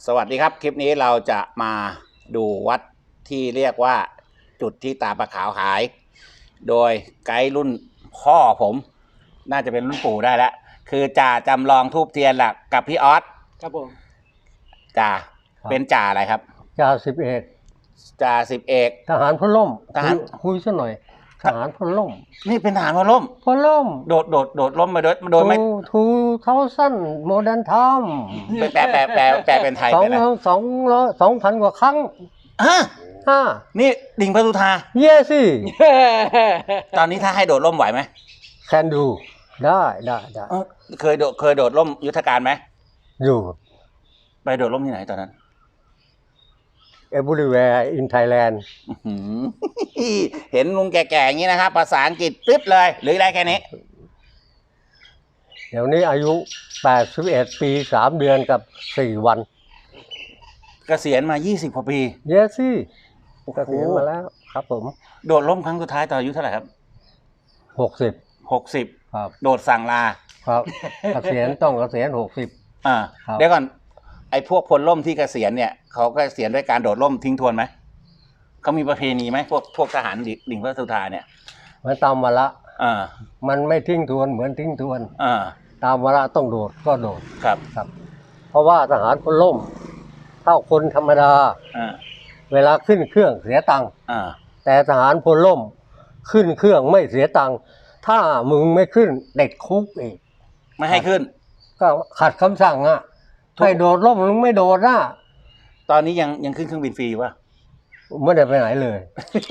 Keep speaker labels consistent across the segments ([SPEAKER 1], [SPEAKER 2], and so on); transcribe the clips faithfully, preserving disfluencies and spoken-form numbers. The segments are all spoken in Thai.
[SPEAKER 1] สวัสดีครับคลิปนี้เราจะมาดูวัดที่เรียกว่าจุดที่ตาปลาขาวหายโดยไกด์รุ่นพ่อผมน่าจะเป็นรุ่นปู่ได้แล้วคือจ่าจำลองทูบเทียนหลักกับพี่ออส
[SPEAKER 2] ครับผม
[SPEAKER 1] จ่าเป็นจ่าอะไรครับ
[SPEAKER 3] จ่าสิบเอก
[SPEAKER 1] จ่าสิบเอก
[SPEAKER 3] ทหารพลล่ม
[SPEAKER 1] ทหาร
[SPEAKER 3] คุยซะหน่อยทหารพลล่ม
[SPEAKER 1] นี่เป็นทหารพลล่ม
[SPEAKER 3] พลล่ม
[SPEAKER 1] โดดโดดโดดล่มมาโดยโดยไม่
[SPEAKER 3] ทูเท้าสั้นโมเดิร์นทอม
[SPEAKER 1] แปลแปลแปลแปลเป็นไทย
[SPEAKER 3] สองสองร้อยสองพันกว่าครั้ง
[SPEAKER 1] ฮะ
[SPEAKER 3] ฮะ
[SPEAKER 1] นี่ดิ่งพระสุธา
[SPEAKER 3] เย่สิ
[SPEAKER 1] ตอนนี้ถ้าให้โดดล่มไหวไหม
[SPEAKER 3] แคนดูได้ได้ได้
[SPEAKER 1] เคยโดดเคยโดดล่มยุทธการไหม
[SPEAKER 3] อยู่
[SPEAKER 1] ไปโดดล่มที่ไหนตอนนั้น
[SPEAKER 3] everywhere in Thailand
[SPEAKER 1] เห็นลุงแก่ๆอย่างนี้นะครับภาษาอังกฤษปึ๊บเลยหรือได้แค่นี้
[SPEAKER 3] เดี๋ยวนี้อายุแปดสิบเอ็ดปีสามเดือนกับสี่วัน
[SPEAKER 1] เกษียณมายี่สิบกว่าปี
[SPEAKER 3] เยสิเกษียณมาแล้วครับผม
[SPEAKER 1] โดดล่มครั้งสุดท้ายตอนอายุเท่าไหร่ครับ
[SPEAKER 3] หกสิบ
[SPEAKER 1] หกสิบ
[SPEAKER 3] ครับ
[SPEAKER 1] โดดสั่งลา
[SPEAKER 3] ครับเกษียณต้องเกษียณหกสิบ
[SPEAKER 1] อ่าเดี๋ยวก่อนไอ้พวกพลล่มที่เกษียณเนี่ยเขาก็เกษียณด้วยการโดดล่มทิ้งทวนไหมเขามีประเพณีไหมพวกพวกทหารดิ่งพระสุธาเนี่ย
[SPEAKER 3] มันตามวาระ
[SPEAKER 1] อ่า
[SPEAKER 3] มันไม่ทิ้งทวนเหมือนทิ้งทวน
[SPEAKER 1] อ่า
[SPEAKER 3] ตามวาระต้องโดดก็โดด
[SPEAKER 1] ครับ
[SPEAKER 3] ครับเพราะว่าทหารพลล่มเท่าคนธรรมดา
[SPEAKER 1] อ่า
[SPEAKER 3] เวลาขึ้นเครื่องเสียตังค์
[SPEAKER 1] อ่า
[SPEAKER 3] แต่ทหารพลล่มขึ้นเครื่องไม่เสียตังค์ถ้ามึงไม่ขึ้นเด็ดคุกอีก
[SPEAKER 1] ไม่ให้ขึ้น
[SPEAKER 3] ก็ขัดคำสั่งอ่ะให้โดดล่มมึงไม่โดดนะ
[SPEAKER 1] ตอนนี้ยังยังขึ้นเครื่องบินฟรีอยู่ป่ะ
[SPEAKER 3] ไม่ได้ไปไหนเลย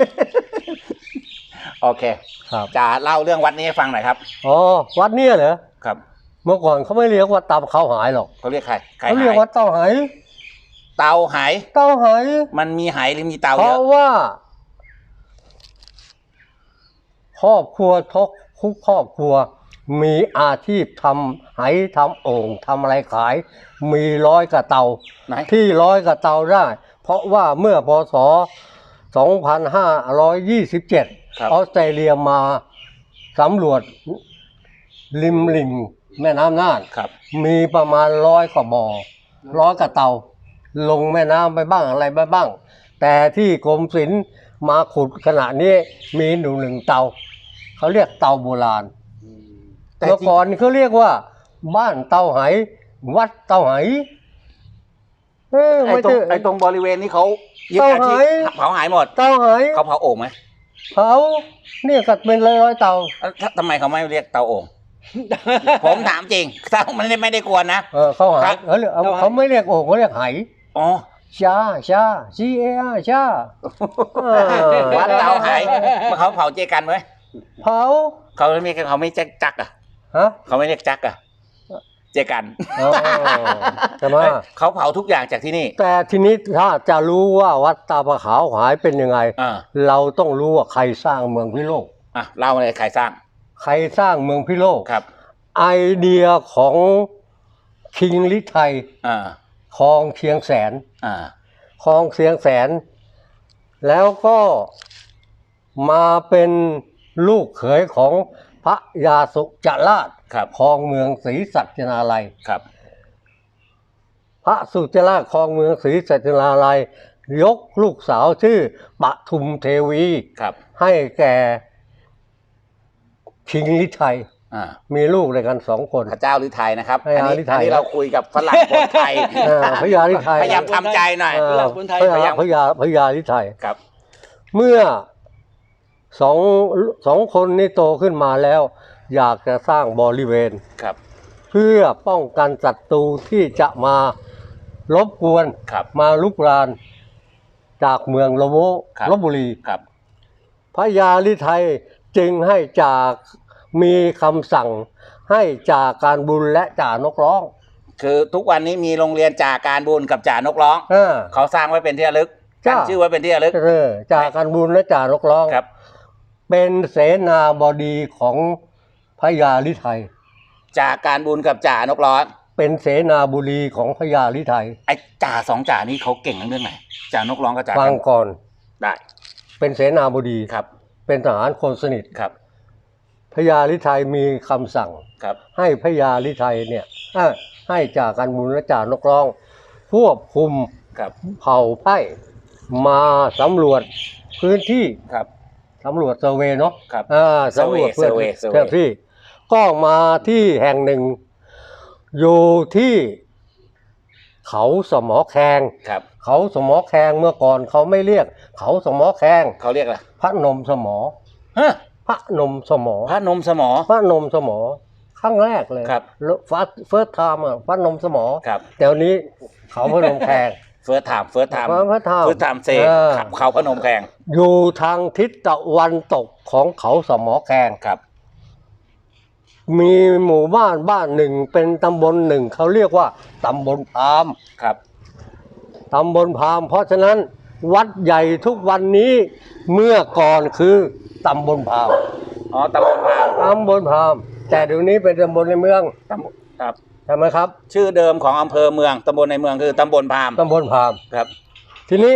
[SPEAKER 1] โอเค
[SPEAKER 3] ครับ
[SPEAKER 1] จะเล่าเรื่องวัดนี้ให้ฟังหน่อยครับ
[SPEAKER 3] อ๋อวัดเนี้ยเหรอ
[SPEAKER 1] ครับ
[SPEAKER 3] เมื่อก่อนเขาไม่เรียกว่าเตาเขาหายหรอก
[SPEAKER 1] เขาเรียกใคร
[SPEAKER 3] เขาเรียกว่าเตาหาย
[SPEAKER 1] เตาหาย
[SPEAKER 3] เตาหาย
[SPEAKER 1] มันมีหายหรือมีเตาเยอะ
[SPEAKER 3] เพราะว่าครอบครัวทุกทุกครอบครัวมีอาชีพทำไหทำโอ่งทำอะไรขายมีร้อยกระเตาที่ร้อยกระเตาได้เพราะว่าเมื่อพ.ศ. สองพันห้าร้อยยี่สิบเจ็ดออสเตรเลียมาสำรวจริมลิ่งแม่น้ำน่านมีประมาณร้อยกว่าบ่อร้อยกระเตาลงแม่น้ำไปบ้างอะไรไปบ้างแต่ที่กรมศิลป์มาขุดขณะนี้มีหนึ่งหนึ่งเตาเขาเรียกเตาโบราณเมื่อก่อนเขาเรียกว่าบ้านเตาไหวัดเตาไห
[SPEAKER 1] ไอ้ตรงไอ้ตรงบริเวณนี้เขายึดอาชีพเผาหายหมด
[SPEAKER 3] เตาไห
[SPEAKER 1] เขาเผาโอ่งไหม
[SPEAKER 3] เผาเนี่ยกัดเป็นร้อยๆเตา
[SPEAKER 1] ทำไมเขาไม่เรียกเตาโอ่งผมถามจริงเตามันไม่ได้กวนนะ
[SPEAKER 3] เออเขาหายเขาเรียกเขาไม่เรียกโอ่งเขาเรียกไห
[SPEAKER 1] อ๋อ
[SPEAKER 3] ชาชา G A R ชา
[SPEAKER 1] วัดเตาไหเขาเผาเจกันไหม
[SPEAKER 3] เผา
[SPEAKER 1] เขาไม่มีเขาไม่แจ็คจักอ่ะ
[SPEAKER 3] ฮะ
[SPEAKER 1] เขาไม่เรียกจักอ่ะเจกัน
[SPEAKER 3] แต่ว่า
[SPEAKER 1] เขาเผาทุกอย่างจากที่นี่
[SPEAKER 3] แต่ทีนี้ถ้าจะรู้ว่าวัดตาปลาขาวหายเป็นยังไงเราต้องรู้ว่าใครสร้างเมืองพิโลก
[SPEAKER 1] อ่ะเล่าเลยใครสร้าง
[SPEAKER 3] ใครสร้างเมืองพิโลก
[SPEAKER 1] ครับ
[SPEAKER 3] ไอเดียของคิงฤทัยคลองเชียงแสนคลองเชียงแสนแล้วก็มาเป็นลูกเขยของพระยาสุจราชครองเมืองศรีสัชนาลัย
[SPEAKER 1] ครับ
[SPEAKER 3] พระสุจราชครองเมืองศรีสัชนาลัยยกลูกสาวชื่อปทุมเทวีให้แก่คิงฤทัยมีลูกด้วยกันสองคน
[SPEAKER 1] พระเจ้าฤทัยนะครับอันนี้อันนี้เราคุยกับฝรั่งคนไทย
[SPEAKER 3] พระยาฤทัย
[SPEAKER 1] พยายามทำใจหน่อย
[SPEAKER 3] พระยาพระยาพระยาฤทัย
[SPEAKER 1] ครับ
[SPEAKER 3] เมื่อสองสองคนนี้โตขึ้นมาแล้วอยากจะสร้างบริเวณ
[SPEAKER 1] ครับ
[SPEAKER 3] เพื่อป้องกันศัตรูที่จะมารบกวนมาลุกรานจากเมืองลโวลพบุรีพระยาฤทัยจึงให้จากมีคำสั่งให้จ่าการบุญและจ่านกร้อง
[SPEAKER 1] คือทุกวันนี้มีโรงเรียนจ่าการบุญกับจ่านกร้องเขาสร้างไว้เป็นที่ระลึกตั้งชื่อไว้เป็นที่ระลึก
[SPEAKER 3] จ่าการบุญและจ่านกร้องเป็นเสนาบดีของพระยาฤทัย
[SPEAKER 1] จ่าการบุญกับจ่านกร้อง
[SPEAKER 3] เป็นเสนาบดีของพระยาฤทัย
[SPEAKER 1] ไอ้จ่าสองจ่านี้เขาเก่งเรื่องไหนจ่านกร้องกับจ่า
[SPEAKER 3] ฟังก่อน
[SPEAKER 1] ได้
[SPEAKER 3] เป็นเสนาบดี
[SPEAKER 1] ครับ
[SPEAKER 3] เป็นทหารคนสนิท
[SPEAKER 1] ครับ
[SPEAKER 3] พระยาฤทัยมีคำสั่งให้พระยาฤทัยเนี่ยให้จ่าการบุญและจ่านกร้องควบคุม
[SPEAKER 1] ครับ
[SPEAKER 3] เผ่าไพ่มาสำรวจพื้นที่
[SPEAKER 1] ครับ
[SPEAKER 3] สำรวจเซอร์เวย์เนาะ
[SPEAKER 1] ครับ
[SPEAKER 3] อ่าสำรวจ
[SPEAKER 1] เซอร์เวย์เซอร์เวย์
[SPEAKER 3] พื้นที่ก็มาที่แห่งหนึ่ง อยู่ที่เขาสมอแคง
[SPEAKER 1] ครับ
[SPEAKER 3] เขาสมอแคงเมื่อก่อนเขาไม่เรียก เขาสมอแคง
[SPEAKER 1] เขาเรียกอะไร
[SPEAKER 3] พระนมสมอ
[SPEAKER 1] ฮะ
[SPEAKER 3] พระนมสมอ
[SPEAKER 1] พระนมสมอ
[SPEAKER 3] พระนมสมอครั้งแรกเลย
[SPEAKER 1] ครับ
[SPEAKER 3] ฟัสเฟิร์สไทม์อ่ะพระนมสมอ
[SPEAKER 1] ครับ
[SPEAKER 3] แต่วันนี้เขาพระนมแคง
[SPEAKER 1] เฟิร์สไทม์เฟิร์สไทม์
[SPEAKER 3] พระพระไทม์
[SPEAKER 1] เฟิร์สไทม์เซ
[SPEAKER 3] เออ
[SPEAKER 1] เขาพนมแขง
[SPEAKER 3] อยู่ทางทิศตะวันตกของเขาสมอแคง
[SPEAKER 1] ครับ
[SPEAKER 3] มีหมู่บ้านบ้านหนึ่งเป็นตำบลหนึ่งเขาเรียกว่าตำบลพราหมณ์
[SPEAKER 1] ครับ
[SPEAKER 3] ตำบลพราหมณ์เพราะฉะนั้นวัดใหญ่ทุกวันนี้เมื่อก่อนคือตำบลพราหมณ์
[SPEAKER 1] อ๋อตำบลพราหมณ์
[SPEAKER 3] ตำบลพราหมณ์แต่เดี๋ยวนี้เป็นตำบลในเมือง
[SPEAKER 1] ตำบลครับ
[SPEAKER 3] ใช่ไหมครับ
[SPEAKER 1] ชื่อเดิมของอำเภอเมืองตำบลในเมืองคือตำบลพราหมณ์
[SPEAKER 3] ตำบลพราหมณ์
[SPEAKER 1] ครับ
[SPEAKER 3] ทีนี้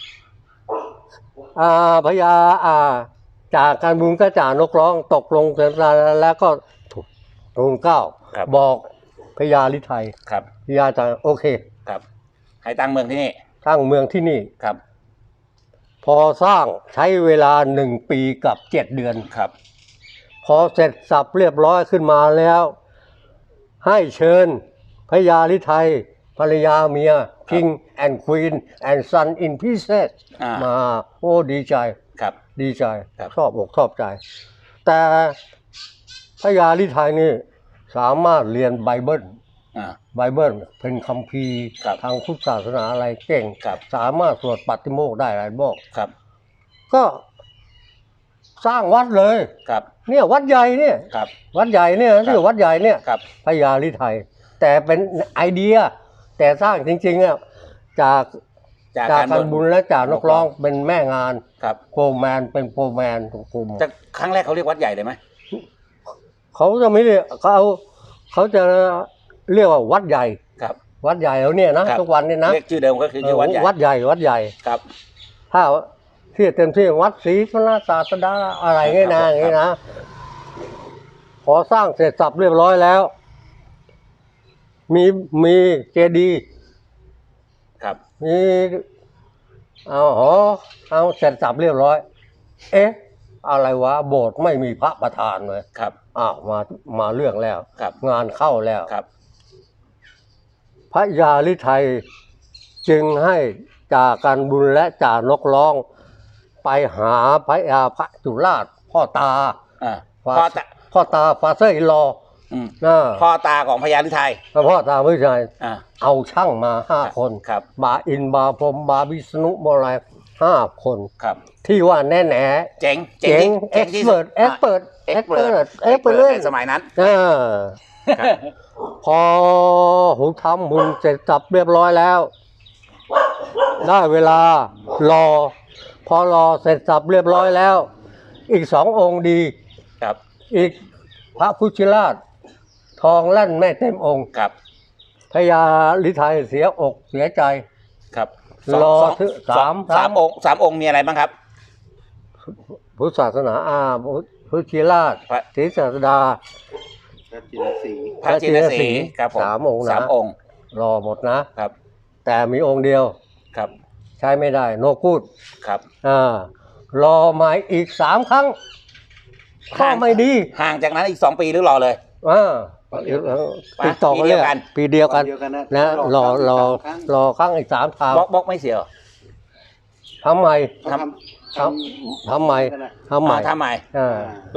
[SPEAKER 3] อ่าพญาอ่าจากการบุญก็จ่านกร้องตกลงเสร็จแล้วก็ทูลเกล้า
[SPEAKER 1] ครับ
[SPEAKER 3] บอกพญาลิไทย
[SPEAKER 1] ครับ
[SPEAKER 3] พญาจะโอเค
[SPEAKER 1] ครับ ให้ตั้งเมืองที่นี่
[SPEAKER 3] สร้างเมืองที่นี่
[SPEAKER 1] ครับ
[SPEAKER 3] พอสร้างใช้เวลาหนึ่งปีกับเจ็ดเดือน
[SPEAKER 1] ครับ
[SPEAKER 3] พอเสร็จสับเรียบร้อยขึ้นมาแล้ว ให้เชิญพญาลิไทยภรรยาเมีย King and Queen and Son in Pieces
[SPEAKER 1] อ่าม
[SPEAKER 3] มาโอ้ดีใจ
[SPEAKER 1] ครับ
[SPEAKER 3] ดีใจ
[SPEAKER 1] ครับ
[SPEAKER 3] ชอบอกชอบใจ แต่พญาลิไทยนี่สามารถเรียนไบเบิล
[SPEAKER 1] อ่า
[SPEAKER 3] ไบเบิลเป็นคัมภีร์
[SPEAKER 1] ครับ
[SPEAKER 3] ทางพุทธศาสนาอะไรเก่ง
[SPEAKER 1] ครับ
[SPEAKER 3] สามารถสวดปาฏิโมกข์ได้หลายโมกข์
[SPEAKER 1] ครับ
[SPEAKER 3] ก็สร้างวัดเลย
[SPEAKER 1] ครับ
[SPEAKER 3] เนี่ยวัดใหญ่เนี่ย
[SPEAKER 1] ครับ
[SPEAKER 3] วัดใหญ่เนี่ยที่วัดใหญ่เนี่ย
[SPEAKER 1] ครับ
[SPEAKER 3] พญาลิไทย แต่เป็นไอเดีย แต่สร้างจริงๆอ่ะจาก
[SPEAKER 1] จาก
[SPEAKER 3] จาก
[SPEAKER 1] การ
[SPEAKER 3] การบุญและจากนกร้องเป็นแม่งาน
[SPEAKER 1] ครับ
[SPEAKER 3] โฟร์แมนเป็นโฟร์แมนกลุ่ม
[SPEAKER 1] จากครั้งแรกเขาเรียกวัดใหญ่เลยไหม
[SPEAKER 3] เขาจะไม่เรียกเขาเอาเขาจะเรียกว่าวัดใหญ่
[SPEAKER 1] ครับ
[SPEAKER 3] วัดใหญ่แล้วเนี่ยนะครับ ทุกวันเนี่ยนะ
[SPEAKER 1] เรียกชื่อเดิมก็คือชื่อวัดใหญ่
[SPEAKER 3] วัดใหญ่วัดใหญ่
[SPEAKER 1] ครับ
[SPEAKER 3] ถ้าที่เต็มที่วัดศรีธนศาสดาอะไรเงี้ยนะอย่างงี้นะพอสร้างเสร็จสับเรียบร้อยแล้ว มีมีเจดีย์
[SPEAKER 1] ครับ
[SPEAKER 3] มีเอาหอเอาเสร็จสับเรียบร้อย เอ๊ะ อะไรวะโบสถ์ไม่มีพระประธานเลย
[SPEAKER 1] ครับ
[SPEAKER 3] อ้าวมามาเรื่องแล้ว
[SPEAKER 1] ครับ
[SPEAKER 3] งานเข้าแล้ว
[SPEAKER 1] ครับ
[SPEAKER 3] พระยาลิไทยจึงให้จ่าการบุญและจ่านกร้อง ไปหาพระยาพระจุราชพ่อตา
[SPEAKER 1] อ่า
[SPEAKER 3] ฟา
[SPEAKER 1] พ่อตา
[SPEAKER 3] พ่อตาฟาเซอร์อิลอ
[SPEAKER 1] อืม
[SPEAKER 3] นะ
[SPEAKER 1] พ่อตาของพญาลิไทย
[SPEAKER 3] พ่อตาไม่ใช่
[SPEAKER 1] อ่า
[SPEAKER 3] เอาช่างมาห้าคน
[SPEAKER 1] ครับ
[SPEAKER 3] บาอินบาพรหมบาวิษณุบาอะไรห้าคน
[SPEAKER 1] ครับ
[SPEAKER 3] ที่ว่าแน่แน่
[SPEAKER 1] เจ๋ง
[SPEAKER 3] เจ๋ง
[SPEAKER 1] ที่
[SPEAKER 3] เอ็ก
[SPEAKER 1] ที่
[SPEAKER 3] ซ์เพิร์ดเอ็กซ์เพิร์ด
[SPEAKER 1] เอ็
[SPEAKER 3] เอ็
[SPEAKER 1] ก
[SPEAKER 3] ก
[SPEAKER 1] ซ์
[SPEAKER 3] ซ์
[SPEAKER 1] เปิ
[SPEAKER 3] เพิ
[SPEAKER 1] ด
[SPEAKER 3] ร์ดเอ็กซ์เพิร์ด
[SPEAKER 1] ในสมัยนั้น
[SPEAKER 3] เออพอหูทำบุญเสร็จสับเรียบร้อยแล้ว ได้เวลารอ พอรอเสร็จสับเรียบร้อยแล้ว อีกสององค์ดี
[SPEAKER 1] ครับ
[SPEAKER 3] อีกพระพุทธราช ทองแล่นไม่เต็มองค์
[SPEAKER 1] ครับ
[SPEAKER 3] พญาลิไทยเสียอกเสียใจ
[SPEAKER 1] ครับ
[SPEAKER 3] รอ
[SPEAKER 1] สอง
[SPEAKER 3] ถึง
[SPEAKER 1] สาม
[SPEAKER 3] สาม
[SPEAKER 1] สามองค์สามองค์มีอะไรบ้างครับ
[SPEAKER 3] พุทธศาสนาอาพุทธราช
[SPEAKER 1] พระ
[SPEAKER 3] ศรีศาสดา
[SPEAKER 2] พระจินสี
[SPEAKER 1] พระจินสีครับผม
[SPEAKER 3] สามองค์นะ
[SPEAKER 1] สามองค์
[SPEAKER 3] รอหมดนะ
[SPEAKER 1] ครับ
[SPEAKER 3] แต่มีองค์เดียว
[SPEAKER 1] ครับ
[SPEAKER 3] ใช้ไม่ได้โนกูด
[SPEAKER 1] ครับ
[SPEAKER 3] อ่ารอมาอีกสามครั้งก็ไม่ดี
[SPEAKER 1] ห่างจากนั้นอีกสองปีหรือรอเลย
[SPEAKER 3] อ่าติดต่อ
[SPEAKER 1] ปีเดียวกัน
[SPEAKER 3] ปีเดียวกัน
[SPEAKER 2] เดียวกันนะ
[SPEAKER 3] นะรอรอ
[SPEAKER 2] ครั้ง
[SPEAKER 3] รอครั้งอีกสามครั้ง
[SPEAKER 1] บล็อกบล็อกไม่เสียเหรอ
[SPEAKER 3] ทำไม
[SPEAKER 2] เขาทำ
[SPEAKER 3] ทำทำไมทำไม
[SPEAKER 1] อ่าทำไม
[SPEAKER 3] อ่าร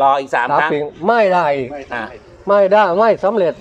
[SPEAKER 1] ออีกสาม
[SPEAKER 3] สาม
[SPEAKER 1] ครั้ง
[SPEAKER 3] ปีไม่ได้อีก
[SPEAKER 2] ไม่
[SPEAKER 1] อ่า
[SPEAKER 2] ทำ
[SPEAKER 3] ไม่ได้ไม่สำเร็จ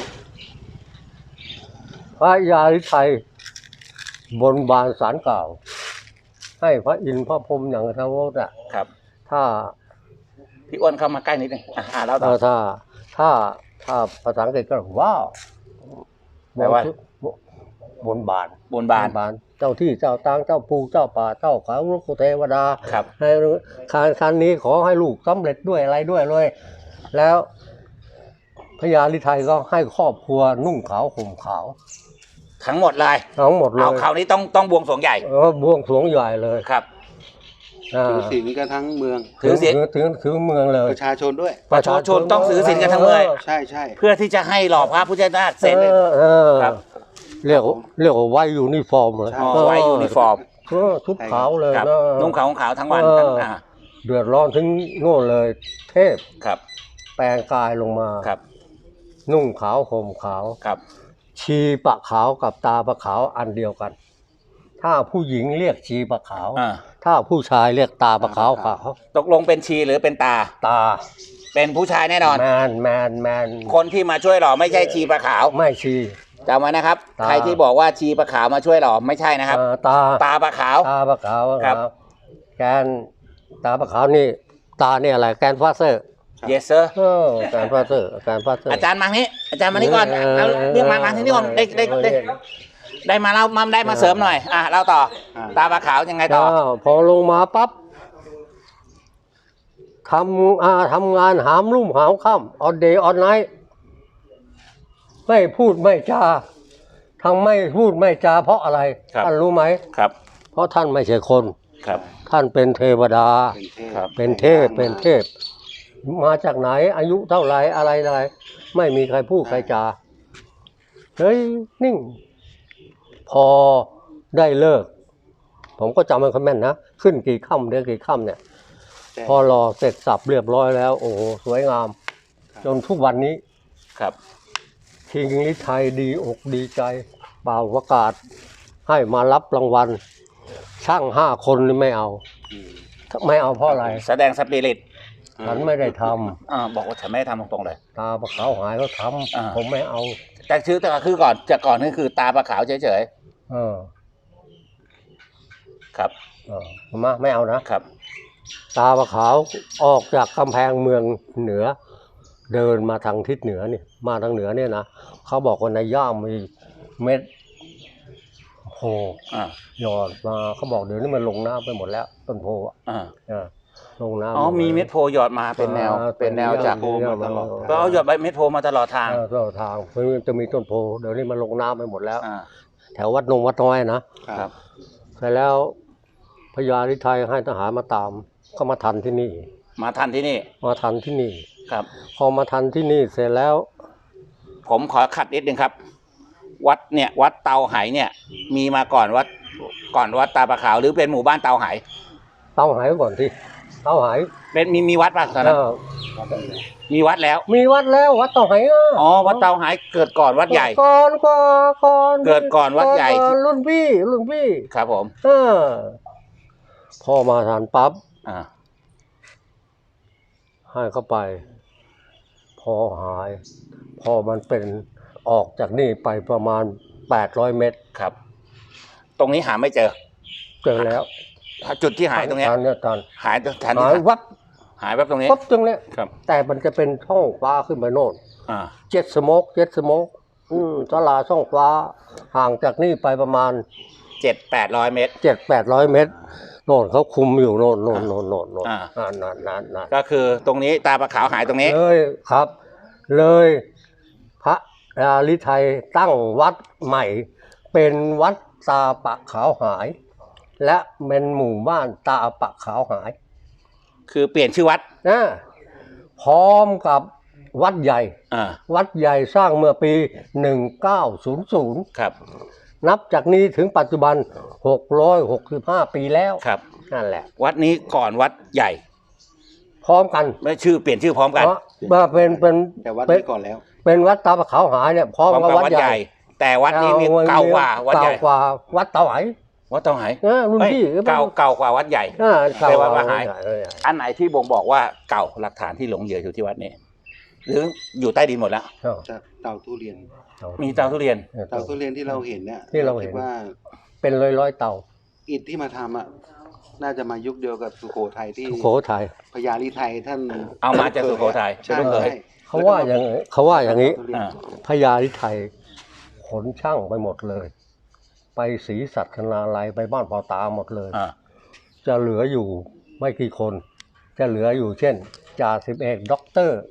[SPEAKER 3] พระยาลิไทยบนบานสารกล่าว ให้พระอินทร์พระพรหมอย่างทวดอ่ะ
[SPEAKER 1] ครับ
[SPEAKER 3] ถ้า
[SPEAKER 1] พี่อ้วนเข้ามาใกล้นิดนึงอ่าอ่าแล้วต่
[SPEAKER 3] เอ่
[SPEAKER 1] อ
[SPEAKER 3] อถ้าถ้าถ้าภาษาอังกฤษก็ว้าว
[SPEAKER 1] แปลว่า
[SPEAKER 3] บนบาน
[SPEAKER 1] บนบาน
[SPEAKER 3] บาน เจ้าที่เจ้าตางเจ้าภูเจ้าป่าเจ้าเขาลูกเทวดา
[SPEAKER 1] ครับ
[SPEAKER 3] ให้คารคันนี้ขอให้ลูกสำเร็จด้วยอะไรด้วยเลย แล้วพญาลิไทยก็ให้ครอบครัวนุ่งขาวห่มขาว
[SPEAKER 1] ทั้งหมดเลย
[SPEAKER 3] ทั้งหมดเลย
[SPEAKER 1] เอาคราวนี้ต้องต้องบวงสรวงใหญ่
[SPEAKER 3] เออบวงสรวงใหญ่เลย
[SPEAKER 1] ครับ
[SPEAKER 3] อ่า
[SPEAKER 2] ถือศีลกันทั้งเมือง
[SPEAKER 1] ถือศีล
[SPEAKER 3] ถึงถึงเมืองเลย
[SPEAKER 2] ประชาชนด้วย
[SPEAKER 1] ประชาชนต้องถือศีลกันทั้งเมือง
[SPEAKER 2] ใช่ใช่
[SPEAKER 1] เพื่อที่จะให้หล่อพระพุทธนาคเสร็จเลย
[SPEAKER 3] ออเออ
[SPEAKER 1] ครับ
[SPEAKER 3] เรียกว่าเรียกว่าไว้ยูนิฟอร์มเลย
[SPEAKER 2] ใช่
[SPEAKER 1] อ๋อไว้ยูนิฟอร์ม
[SPEAKER 3] เออชุดขาวเลย
[SPEAKER 1] ครับ
[SPEAKER 3] นะ
[SPEAKER 1] นุ่งขาวขาวทั้งวัน
[SPEAKER 3] เออ
[SPEAKER 1] ทั้งอ่า
[SPEAKER 3] เดือดร้อนถึงโน่นเลย เทพ
[SPEAKER 1] ครับ
[SPEAKER 3] แปลงกายลงมา
[SPEAKER 1] ครับ
[SPEAKER 3] นุ่งขาวห่มขาว
[SPEAKER 1] ครับ
[SPEAKER 3] ชีปะขาวกับตาปะขาวอันเดียวกัน ถ้าผู้หญิงเรียกชีปะขาว
[SPEAKER 1] อ่า
[SPEAKER 3] ถ้าผู้ชายเรียกตาปะขาวขาว
[SPEAKER 1] ตกลงเป็นชีหรือเป็นตา
[SPEAKER 3] ตา
[SPEAKER 1] เป็นผู้ชายแน่นอน
[SPEAKER 3] แมนแมนแมน
[SPEAKER 1] คนที่มาช่วยหล่อไม่ใช่ชีปลาขาว
[SPEAKER 3] ไม่ชี
[SPEAKER 1] จำไว้นะครับ
[SPEAKER 3] ตา
[SPEAKER 1] ใครที่บอกว่าชีปลาขาวมาช่วยหล่อไม่ใช่นะครับ
[SPEAKER 3] เอ่อตา
[SPEAKER 1] ตาปลาขาว
[SPEAKER 3] ตาปะขาว
[SPEAKER 1] ครับ
[SPEAKER 3] แกนตาปะขาวนี่ ตาเนี่ยอะไรแกนฟาเซอร์
[SPEAKER 1] yes sir
[SPEAKER 3] เออแกนฟาเซอร์แกนฟาเซอร์
[SPEAKER 1] อาจารย์มานี้อาจารย์มานี้ก่อน
[SPEAKER 3] เออ
[SPEAKER 1] เอาเรียกมามาที่นี่ก่อนได้ได้ได้ได้มาเล่ามาได้มาเสริมหน่อยอ่ะเล่าต่อ
[SPEAKER 2] อ่า
[SPEAKER 1] ตาปลาขาวยังไงต่อ
[SPEAKER 3] อ้าวพอลงมาปั๊บทำอาทำงานหามรุ่มหามค่ำออนเดย์ออนไนท์ไม่พูดไม่จาทั้งไม่พูดไม่จาเพราะอะไร
[SPEAKER 1] ครับ
[SPEAKER 3] ท่านรู้ไหม
[SPEAKER 1] ครับ
[SPEAKER 3] เพราะท่านไม่ใช่คน
[SPEAKER 1] ครับ
[SPEAKER 3] ท่านเป็นเทวดา
[SPEAKER 2] เป็นเทพ
[SPEAKER 3] เป็นเทพเป็นเทพ มาจากไหนอายุเท่าไหรอะไรอะไรไม่มีใครพูดใครจาเฮ้ยนิ่ง พอได้เลิก ผมก็จำมันค่อยแม่นนะขึ้นกี่ค่ำเดือนกี่ค่ำเนี่ย
[SPEAKER 2] ใช่
[SPEAKER 3] พอรอเสร็จสับเรียบร้อยแล้ว โอ้โหสวยงาม จนทุกวันนี้
[SPEAKER 1] ครับ
[SPEAKER 3] คิงลิไทยดีอกดีใจเป่าประกาศ ให้มารับรางวัล ช่างห้าคนนี่ไม่เอา
[SPEAKER 2] อืม
[SPEAKER 3] ไม่เอาเพราะอะไร
[SPEAKER 1] แสดงสปิริต
[SPEAKER 3] ฉันไม่ได้ท
[SPEAKER 1] อ่าบอกว่าฉันไม่ได้ทำตรงๆเลย
[SPEAKER 3] ำตาปะขาวหายก็ท
[SPEAKER 1] อ่า
[SPEAKER 3] ำผมไม่เอา
[SPEAKER 1] แต่ชื่อแต่คือก่อนจากก่อนนี่คือตาปลาขาวเฉย
[SPEAKER 3] เออ
[SPEAKER 1] ๆครับ
[SPEAKER 3] เออมาไม่เอานะ
[SPEAKER 1] ครับ
[SPEAKER 3] ตาปะขาวออกจากกำแพงเมืองเหนือ เดินมาทางทิศเหนือนี่มาทางเหนือเนี่ยนะเขาบอกว่าในย่ามมีเม็ดโพ
[SPEAKER 1] อ่า
[SPEAKER 3] หยอดมาเขาบอกเดี๋ยวนี้มันลงน้ำไปหมดแล้วต้นโพอ่ะ
[SPEAKER 1] อ่า
[SPEAKER 3] เออลงน้ำ
[SPEAKER 1] อ๋อ
[SPEAKER 3] หด
[SPEAKER 1] มี
[SPEAKER 3] แล้ว
[SPEAKER 1] เม็ดโพหยอดมาเป็นแนว
[SPEAKER 3] อ่า
[SPEAKER 1] เป็นแนวจาก
[SPEAKER 3] เป็นแนวมาตลอด
[SPEAKER 1] ก็เอาหยอดใบเม็ดโพมาตลอดทาง
[SPEAKER 3] เออตลอดทางมันจะมีต้นโพเดี๋ยวนี้มันลงน้ำไปหมดแล้ว
[SPEAKER 1] อ่า
[SPEAKER 3] แถววัดนงวัดน้อยนะครับ เสร็จแล้วพญาฤทัยให้ทหารมาตามก็มาทันที่นี่
[SPEAKER 1] มาทันที่นี่
[SPEAKER 3] มาทันที่นี่
[SPEAKER 1] ครับ
[SPEAKER 3] พอมาทันที่นี่เสร็จแล้ว
[SPEAKER 1] ผมขอขัดนิดนึงครับ วัดเนี่ย วัดเตาไหเนี่ย มีมาก่อนวัดก่อนวัดตาปลาขาวหรือเป็นหมู่บ้านเตาไห
[SPEAKER 3] เต้าหายก่อนที่เต้าหาย
[SPEAKER 1] เป็นมีมีวัดป่ะตอนนั้น
[SPEAKER 3] เออ
[SPEAKER 1] มีวัดแล้ว
[SPEAKER 3] มีวัดแล้ววัดเต้าหายะ
[SPEAKER 1] อ๋อวัดเตาไหเกิดก่อนวัดใหญ่
[SPEAKER 3] ก่อนก่อนก่อน
[SPEAKER 1] เกิดก่อนวัดใหญ่
[SPEAKER 3] ก่อนรุ่นพี่รุ่นพี่
[SPEAKER 1] ครับผม
[SPEAKER 3] เออพอมาทันปั๊บ
[SPEAKER 1] อ่า
[SPEAKER 3] ให้เข้าไป พอหาย พอมันเป็นออกจากนี่ไปประมาณแปดร้อยเมตร
[SPEAKER 1] ครับ ตรงนี้หาไม่เจอ
[SPEAKER 3] เจอแล้ว
[SPEAKER 1] จุดที่หายตรงเนี้ย
[SPEAKER 3] ทันเนี่ยทัน
[SPEAKER 1] หายทัน
[SPEAKER 3] หา
[SPEAKER 1] ที่
[SPEAKER 3] ยวับ
[SPEAKER 1] หายแบบตรงนี้
[SPEAKER 3] ปั๊บตรงเนี้ย
[SPEAKER 1] ครับ
[SPEAKER 3] แต่มันจะเป็นช่องฟ้าขึ้นไปโน่น
[SPEAKER 1] อ่า
[SPEAKER 3] เจ็ดสโมกเจ็ดสโมกอืมตลาดช่องฟ้า ห่างจากนี่ไปประมาณ
[SPEAKER 1] เจ็ดแปดร้อยเมตร
[SPEAKER 3] เจ็ดแปดร้อยเมตรโน่นเขาคุมอยู่โน่นโน่นโน่นโน่นโน่น
[SPEAKER 1] อ่า
[SPEAKER 3] อ่านานนานนาน
[SPEAKER 1] ก็คือตรงนี้ตาปลาขาวหายตรงนี้
[SPEAKER 3] เลยครับ เลยพระราลิไทยตั้งวัดใหม่ เป็นวัดตาปะขาวหาย และเป็นหมู่บ้านตาปะขาวหาย
[SPEAKER 1] คือเปลี่ยนชื่อวัด
[SPEAKER 3] นะพร้อมกับวัดใหญ่
[SPEAKER 1] อ่า
[SPEAKER 3] วัดใหญ่สร้างเมื่อปีหนึ่งเก้าศูนย์ศูนย์
[SPEAKER 1] ครับ
[SPEAKER 3] นับจากนี้ถึงปัจจุบันหกร้อยหกสิบห้าปีแล้ว
[SPEAKER 1] ครับ
[SPEAKER 3] นั่นแหละ
[SPEAKER 1] วัดนี้ก่อนวัดใหญ่
[SPEAKER 3] พร้อมกัน
[SPEAKER 1] ไม่ชื่อเปลี่ยนชื่อพร้อมกัน
[SPEAKER 3] เพราะว่าเป็นเป็น
[SPEAKER 2] แต่วัด
[SPEAKER 3] เป็น
[SPEAKER 2] นี้ก่อนแล้ว
[SPEAKER 3] เป็นวัดตาปะขาวหายเนี่ยพร้อม
[SPEAKER 1] พร้อม
[SPEAKER 3] กับ
[SPEAKER 1] กับ
[SPEAKER 3] วัด
[SPEAKER 1] วัด
[SPEAKER 3] ให
[SPEAKER 1] ให
[SPEAKER 3] ญ่
[SPEAKER 1] ญ่ แต่วัดนี้มีเก่ากว่าวัดใหญ่
[SPEAKER 3] เก่ากว่าวัดเตาไห
[SPEAKER 1] วัดเตาไห
[SPEAKER 3] เออรุ่น
[SPEAKER 1] เอ้ย
[SPEAKER 3] พี่
[SPEAKER 1] เก่าเก่ากว่าวัดใหญ่
[SPEAKER 3] เออเก่า
[SPEAKER 1] ไป
[SPEAKER 3] ก
[SPEAKER 1] วั
[SPEAKER 3] ว่า
[SPEAKER 1] ดมหา
[SPEAKER 3] วัดใหญ่เออ
[SPEAKER 1] อันไหนที่บ่งบอกว่าเก่าหลักฐานที่หลงเหยื่ออยู่ที่วัดนี้ หรืออยู่ใต้ดินหมดแล้ว
[SPEAKER 3] เออ
[SPEAKER 2] จากเตาทุเรียน
[SPEAKER 1] มีเตาทุเรียน
[SPEAKER 2] เตาทุเรียนที่เราเห็นเนี่ย
[SPEAKER 3] ที่เราเห็น
[SPEAKER 2] คิดว่า
[SPEAKER 3] เป็นร้อยร้อยๆเตา
[SPEAKER 2] อิฐที่มาทำอ่ะน่าจะมายุคเดียวกับสุโขทัยที่
[SPEAKER 3] สุโขทัย
[SPEAKER 2] พญาลีไทยท่าน
[SPEAKER 1] เอามาจากสุโขทัย
[SPEAKER 2] ใช่
[SPEAKER 1] เป็นลูกเขย
[SPEAKER 2] ใช่
[SPEAKER 3] เขาว่าอย่างเขาว่าอย่างนี้
[SPEAKER 2] เตทุเรีน
[SPEAKER 1] อ่า
[SPEAKER 3] พญาลิไทยขนช่างไปหมดเลย ไปศรีสัชนาลัยไปบ้านเปาตาหมดเลย
[SPEAKER 1] อ่า
[SPEAKER 3] จะเหลืออยู่ไม่กี่คน จะเหลืออยู่เช่นจ่าสิบเอกด็อกเตอร์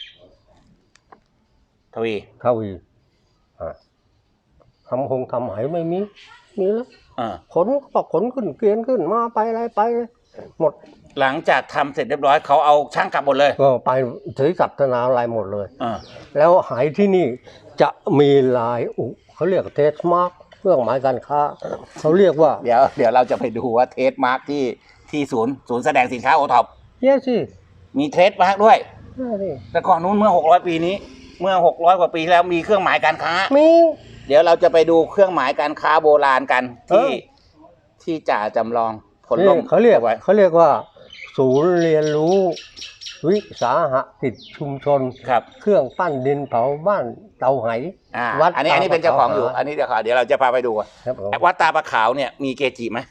[SPEAKER 1] ทวี
[SPEAKER 3] ทวีอ่ะทำคงทำไหไม่มี มีแล้ว
[SPEAKER 1] อ่า
[SPEAKER 3] ขนก็ขนขึ้นเกวียนขึ้นมาไปอะไรไปเลยหมด
[SPEAKER 1] หลังจากทำเสร็จเรียบร้อยเขาเอาช่างกลับหมดเลย
[SPEAKER 3] ก็ไปถือศัพท์นาอะไรหมดเลย
[SPEAKER 1] อ่า
[SPEAKER 3] แล้วหายที่นี่จะมีลายอุเขาเรียกเทสมาร์กเครื่องหมายการค้าเขาเรียกว่า
[SPEAKER 1] เดี๋ยวเดี๋ยวเราจะไปดูว่าเทสมาร์กที่ที่ศูนย์ศูนย์แสดงสินค้าโอท็อป
[SPEAKER 3] เย้สิ
[SPEAKER 1] มีเทสมาร์กด้วย
[SPEAKER 3] นี่สิ
[SPEAKER 1] แต่ก่อนนู้นเมื่อหกร้อยปีนี้ เมื่อหกร้อยกว่าปีที่แล้วมีเครื่องหมายการค้า
[SPEAKER 3] มี
[SPEAKER 1] เดี๋ยวเราจะไปดูเครื่องหมายการค้าโบราณกันที่
[SPEAKER 3] เออ
[SPEAKER 1] ที่จ่าจำลองผล
[SPEAKER 3] นี่
[SPEAKER 1] ล่ม
[SPEAKER 3] เขาเรียก
[SPEAKER 1] ไว้
[SPEAKER 3] เขาเรียกว่า ศูนย์เรียนรู้ วิสาหกิจชุมชน
[SPEAKER 1] ครับ
[SPEAKER 3] เครื่องปั้นดินเผาบ้านเตาไห
[SPEAKER 1] อ่า
[SPEAKER 3] วัด
[SPEAKER 1] อันนี้อันนี้เป็นเจ้าของอยู่
[SPEAKER 3] ตาปะขาว
[SPEAKER 1] อันนี้เดี๋ยวขอเดี๋ยวเราจะพาไปดู
[SPEAKER 3] ครับผม
[SPEAKER 1] วัดตาปะขาวเนี่ยมีเกจิไหม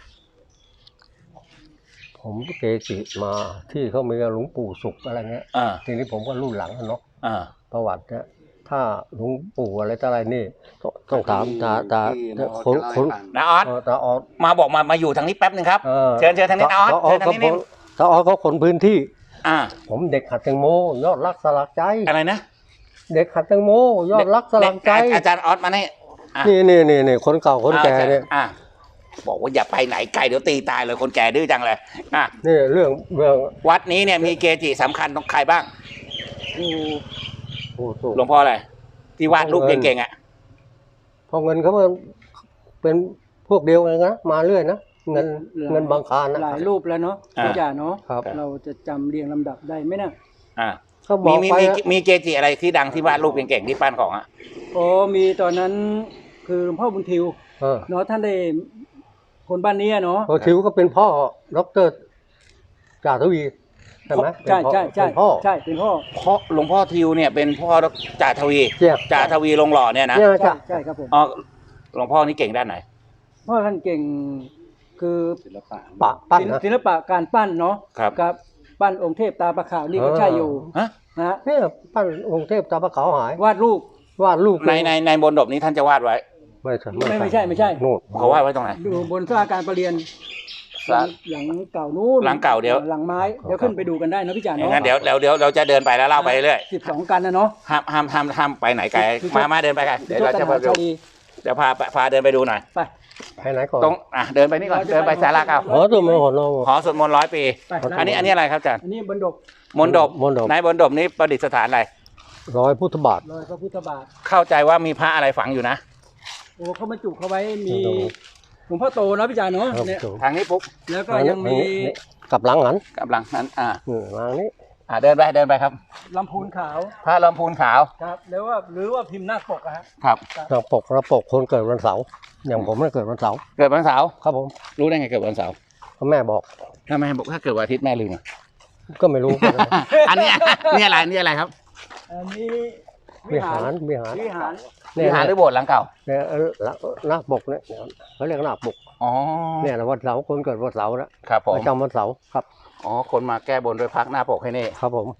[SPEAKER 3] ผมเกจิมาที่เขามีหลวงปู่สุขอะไรเงี้ย
[SPEAKER 1] อ่า
[SPEAKER 3] ทีนี้ผมก็รุ่นหลังอะเนาะ
[SPEAKER 1] อ่า
[SPEAKER 3] ประวัติเนี่ยถ้าหลวงปู่อะไรต่ออะไรนี่ต้องต้องถามตาตา
[SPEAKER 2] ที่น้อง
[SPEAKER 3] คน
[SPEAKER 2] จะ
[SPEAKER 3] คน
[SPEAKER 2] เล่าให้ฟัง
[SPEAKER 1] นาออส
[SPEAKER 3] เออตาออด
[SPEAKER 1] มาบอกมามาอยู่ทางนี้แป๊บหนึ่งครับ
[SPEAKER 3] ออ
[SPEAKER 1] เชิญเชิญทางนี้นาออส
[SPEAKER 3] ตาออ
[SPEAKER 1] เชิ
[SPEAKER 3] ด
[SPEAKER 1] ญทาง
[SPEAKER 3] เขา
[SPEAKER 1] นี้นิด
[SPEAKER 3] ตาออดเขาคนพื้นที่
[SPEAKER 1] อ่า
[SPEAKER 3] ผมเด็กหัดแตงโมยอดรักสลักใจ
[SPEAKER 1] อะไรนะ
[SPEAKER 3] เด็กหัดแตงโมยอดรักสลักใจ
[SPEAKER 1] เด็กอาจารย์ออสมาเนี่ยอ่ะ
[SPEAKER 3] นี่นี่นี่นี่คนเก่าคนแก่เนี่ย
[SPEAKER 1] อ่าบอกว่าอย่าไปไหนไกลเดี๋ยวตีตายเลยคนแก่ดื้อจังเลยอ่ะ
[SPEAKER 3] นี่เรื่องเรื่อง
[SPEAKER 1] วัดนี้เนี่ยมีเกจิสำคัญต้องใครบ้าง
[SPEAKER 3] โอ้โห
[SPEAKER 1] หลวงพ่ออะไรที่วาดรูปเก่งๆอ่ะ
[SPEAKER 3] พอเงินเขามันเป็นพวกเดียวกันนะมาเรื่อยนะเงินเงินบางคารนะ
[SPEAKER 4] หลายรูปแล้วเนาะ
[SPEAKER 1] อ่า
[SPEAKER 4] พี่จ่าเนาะ
[SPEAKER 3] ครับ
[SPEAKER 4] เราจะจำเรียงลำดับได้ไหมนะ
[SPEAKER 1] อ่า
[SPEAKER 3] เขาบ
[SPEAKER 1] มี
[SPEAKER 3] อก
[SPEAKER 1] มี
[SPEAKER 3] ไป
[SPEAKER 1] มี
[SPEAKER 3] นะ
[SPEAKER 1] มีเกจิอะไรที่ดังที่วาดรูปเก่งๆที่ปั้นของอ่ะ
[SPEAKER 4] โอ้มีตอนนั้นคือหลวงพ่อบุญทิว
[SPEAKER 3] เออ
[SPEAKER 4] เนาะท่านได้คนบ้านนี้อะเนาะ
[SPEAKER 3] พอทิวก็เป็นพ่อดรจ่าทวีใช่ไหม
[SPEAKER 4] ใช่ใช่ใช่
[SPEAKER 3] เป็นพ่อ
[SPEAKER 4] ใช่เป็นพ่อ
[SPEAKER 1] พ่อหลวงพ่อทิวเนี่ยเป็นพ่อจ่าทวี
[SPEAKER 3] เนี่ย
[SPEAKER 1] จ่าทวีลงหล่อเนี่ยนะ
[SPEAKER 3] เนี่ย
[SPEAKER 4] ใช่
[SPEAKER 3] จ้ะ
[SPEAKER 4] ใช่ครับผม
[SPEAKER 1] อ๋อหลวงพ่อนี่เก่งด้านไหน
[SPEAKER 4] พ่อท่านเก่งคือ
[SPEAKER 2] ศิลปะ
[SPEAKER 3] ปะปั้น
[SPEAKER 4] ศิล
[SPEAKER 3] นะ
[SPEAKER 4] ศิลปะการปั้นเนาะ
[SPEAKER 1] ครับ
[SPEAKER 4] กับปั้นองค์เทพตาประขาวนี่ก็
[SPEAKER 3] เออ
[SPEAKER 4] ใช่อยู่
[SPEAKER 1] ฮะ
[SPEAKER 4] นะฮะ
[SPEAKER 3] เนี่ยปั้นองค์เทพตาพระขาวหายว
[SPEAKER 4] าดรูป
[SPEAKER 3] วาดรูป
[SPEAKER 1] ในในในบนดบนี้ท่านจะวาดไว้
[SPEAKER 3] ไม่ใช่
[SPEAKER 4] ไม่ไม่ใช่ไม่ใช่
[SPEAKER 3] นู่น
[SPEAKER 1] เขาวาดไว้ตรงไหน
[SPEAKER 4] อยู่บนสลาการประเรียนหลังหลังเก่านู้น
[SPEAKER 1] หลังเก่าเดี๋ยว
[SPEAKER 4] หลังไม้เดี๋ยวขึ้นไปดูกันได้นะพี่จ่า
[SPEAKER 1] อย่าง
[SPEAKER 4] เนาะ
[SPEAKER 1] นั้นเดี๋ยวเดี๋ยวเดี๋ยวเราจะเดินไปแล้วเล่าไปเรื่อย
[SPEAKER 4] สิบสองกันนะเนาะ
[SPEAKER 1] ห้ามห้ามห้ามห้ามไปไหนไกล
[SPEAKER 4] คือ
[SPEAKER 1] มามาเดินไปกันเดี๋ยวเราจะ
[SPEAKER 4] พ
[SPEAKER 1] ไปดู
[SPEAKER 4] ดี
[SPEAKER 1] เดี๋ยวพาพาเดินไปดูหน่อย
[SPEAKER 4] ไป
[SPEAKER 3] ไปไหนก่อน
[SPEAKER 1] ตรงอ่ะเดินไปนี่ก่อนเดินไปศาลาเก่า
[SPEAKER 3] อ๋อตัวมันหอนเรา
[SPEAKER 1] หอสวดมนต์ร้อยปี
[SPEAKER 4] ไป
[SPEAKER 1] อันนี้อันนี้อะไรครับอาจารย์
[SPEAKER 4] อันนี้บนดก
[SPEAKER 1] มนต์ดบ
[SPEAKER 3] มนต์ดบ
[SPEAKER 1] ในบนดบนี้ประดิษฐานอะไร
[SPEAKER 3] ร้อยพุทธบาท
[SPEAKER 4] รอยพระพุทธบาท
[SPEAKER 1] เข้าใจว่ามีพระอะไรฝังอยู่นะ
[SPEAKER 4] โอ้เขาบรรจุเขาไว้มี
[SPEAKER 3] บนดก
[SPEAKER 4] หลวงพ่อโตนะพี่จ่าเนาะ
[SPEAKER 3] ครับ
[SPEAKER 4] เนี่ย
[SPEAKER 3] ถูก
[SPEAKER 1] ทางนี้ปุ๊บ
[SPEAKER 4] แล้วก็
[SPEAKER 3] อันนี้
[SPEAKER 4] ยังมี
[SPEAKER 3] อันนี้นี่กลับหลังหัน
[SPEAKER 1] กำลังนั้นอ่า
[SPEAKER 3] นี่ทางนี้
[SPEAKER 1] อ่าเดินไปเดินไปครับ
[SPEAKER 4] ลำพูนขาว
[SPEAKER 1] พระลำพูนขาว
[SPEAKER 4] ครับแล้วว่าหรือว่าพิมพ์หน้าปกอะฮะ
[SPEAKER 1] ครับ
[SPEAKER 3] เราปกเราปกคนเกิดวันเสาร์อย่างผมเนี่ยเกิดวันเสาร์
[SPEAKER 1] เกิดวันเสาร์
[SPEAKER 3] ครับผม
[SPEAKER 1] รู้ได้ไงเกิดวันเสาร์
[SPEAKER 3] พ่อแม่บอก
[SPEAKER 1] ถ้าแม่บอกถ้าเกิดวันอาทิตย์แม่ลืมอะ
[SPEAKER 3] ก็ไม่รู้
[SPEAKER 1] อันเนี้ยนี่อะไรนี่อะไรครับ
[SPEAKER 4] อันนี้
[SPEAKER 3] วิหารวิหาร
[SPEAKER 4] วิหาร
[SPEAKER 3] เนี่
[SPEAKER 1] วิ
[SPEAKER 3] ย
[SPEAKER 1] หารหรือโบสถ์หลังเก่า
[SPEAKER 3] เนี่ยเออหน้าปกเนี่ยเขาเรียกหน้าปก
[SPEAKER 1] อ๋อ
[SPEAKER 3] เนี่ยนะวันเสาร์คนเกิดวันเสาร์นะครับ
[SPEAKER 1] ผม
[SPEAKER 3] ประจำวันเสาร์ครับ
[SPEAKER 1] อ๋อคนมาแก้บนด้วยพักหน้าปกให้นี่
[SPEAKER 3] ครับผม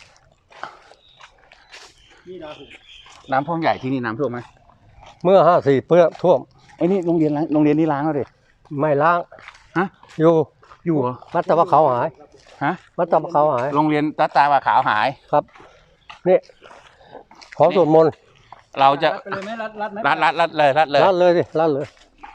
[SPEAKER 4] นี่ราหู
[SPEAKER 1] น้ำท่วมใหญ่ที่นี่น้ำท่วมไหม
[SPEAKER 3] เมื่อห้าสี่เพื่อท่วม
[SPEAKER 1] ไอ้นี่โรงเรียนล้างโรงเรียนนี่ล้างแล้วดิ
[SPEAKER 3] ไม่ล้าง
[SPEAKER 1] ฮะ
[SPEAKER 3] อยู่
[SPEAKER 1] อยู่เหรอ
[SPEAKER 3] วัดตะพะเขาหาย
[SPEAKER 1] ฮะ
[SPEAKER 3] วัดตะพะเขาหาย
[SPEAKER 1] โรงเรียนตาตาว่าขาวหาย
[SPEAKER 3] ครับนี่ขอสวดมนต์
[SPEAKER 1] เราจะ
[SPEAKER 4] รัดไปเลยไหมรัดรัดไหม
[SPEAKER 1] รัดรัดรัดเลยรัดเลย
[SPEAKER 3] รัดเลยสิรัดเลย